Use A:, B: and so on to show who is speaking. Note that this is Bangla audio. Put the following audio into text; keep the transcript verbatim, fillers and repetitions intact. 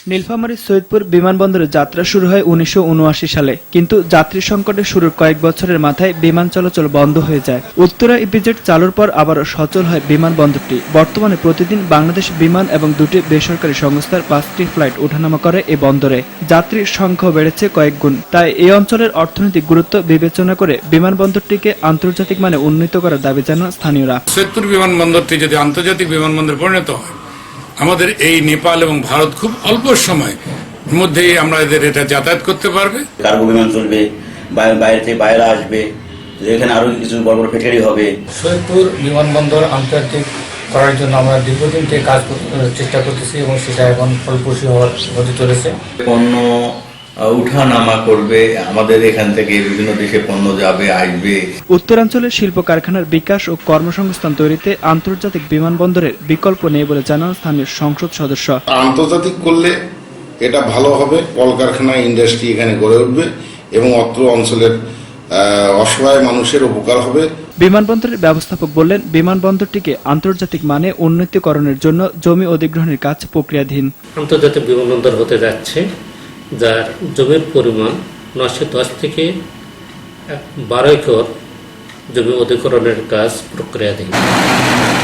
A: নীলফামারীর সৈয়দপুর বিমানবন্দরে যাত্রা শুরু হয় উনিশশো উনআশি সালে, কিন্তু যাত্রী সংকটের শুরুর কয়েক বছরের মাথায় বিমান চলাচল বন্ধ হয়ে যায়। উত্তরা ইপিজেড চালুর পর আবারও সচল হয় বিমানবন্দরটি। বর্তমানে প্রতিদিন বাংলাদেশ বিমান এবং দুটি বেসরকারি সংস্থার পাঁচটি ফ্লাইট ওঠানামা করে এই বন্দরে। যাত্রীর সংখ্যাও বেড়েছে কয়েক গুণ। তাই এই অঞ্চলের অর্থনৈতিক গুরুত্ব বিবেচনা করে বিমানবন্দরটিকে আন্তর্জাতিক মানে উন্নীত করার দাবি জানান স্থানীয়রা।
B: সৈয়দপুর বিমানবন্দরটি যদি আন্তর্জাতিক বিমানবন্দরে পরিণত হয়, আমাদের এই নেপাল এবং ভারত খুব অল্প সময় মধ্যেই আমরা এদের এটা যাতায়াত করতে পারবে।
C: কার্গো বিমান চলবে, বাইরে থেকে বাইরে আসবে, এখানে আরো কিছু বড় বড় ফ্যাক্টরি হবে।
D: সৈয়দপুর বিমানবন্দর আন্তর্জাতিক করার জন্য আমরা দীর্ঘদিন থেকে কাজ চেষ্টা করতেছি এবং সেটা এখন ফলপ্রসূ হওয়ার হতে চলেছে।
E: পণ্য উঠা নামা করবে, আমাদের এখান থেকে বিভিন্ন দেশে পণ্য যাবে আসবে।
A: উত্তরাঞ্চলের শিল্প কারখানার বিকাশ ও কর্মসংস্থান তৈরিতে আন্তর্জাতিক বিমানবন্দরের বিকল্প নেই বলে জানান স্থানীয় সংসদ সদস্য।
F: আন্তর্জাতিক করলে এটা ভালো হবে, কলকারখানা ইন্ডাস্ট্রি এখানে গড়ে উঠবে এবং অত্র অঞ্চলের অসহায় মানুষের উপকার হবে।
A: বিমানবন্দরের ব্যবস্থাপক বললেন, বিমানবন্দরটিকে আন্তর্জাতিক মানে উন্নতিকরণের জন্য জমি অধিগ্রহণের কাজ প্রক্রিয়াধীন।
G: আন্তর্জাতিক বিমানবন্দর হতে যাচ্ছে, যার জমির পরিমাণ নশো দশ থেকে বারো একর জমি অধিগ্রহণের কাজ প্রক্রিয়াধীন।